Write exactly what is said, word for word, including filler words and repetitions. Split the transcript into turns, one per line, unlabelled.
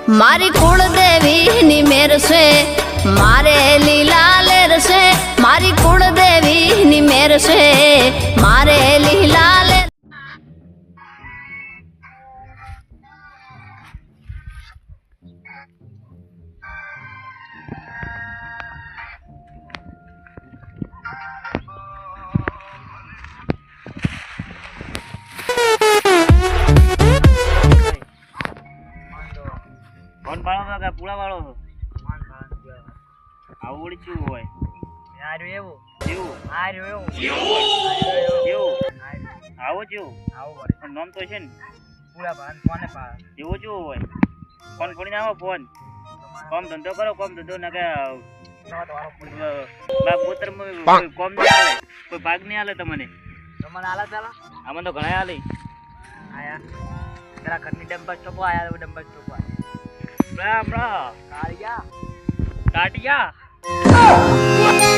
મારી કુળદેવી ની મેર છે મારે લીલા લેર છે મારી કુળદેવી ની મેર છે મારે લીલા લેર
કોણ પાડો કે પૂળા વાળો આવડી શું હોય
આર્યું એવું
જેવું
આર્યું એવું
જેવું આવો જેવું
આવું પડે
પણ નામ તો છે ને
પૂરા ભાન કોને પા
જેવો જેવો હોય ફોન ફોડી આવો ફોન કોમ ધંધો કરો કોમ ધંધો ના કે પોતર કોમ નહીં હાલે કોઈ ભાગ નહીં હાલે તમને
તમને આલા ચાલા
આમાં તો ઘણા હાલે
આયા જરા ઘરની ડબ્બા ચોપો આયા ડબ્બા ચોપો
બ્રા બ્રા
કાળિયા
કાટિયા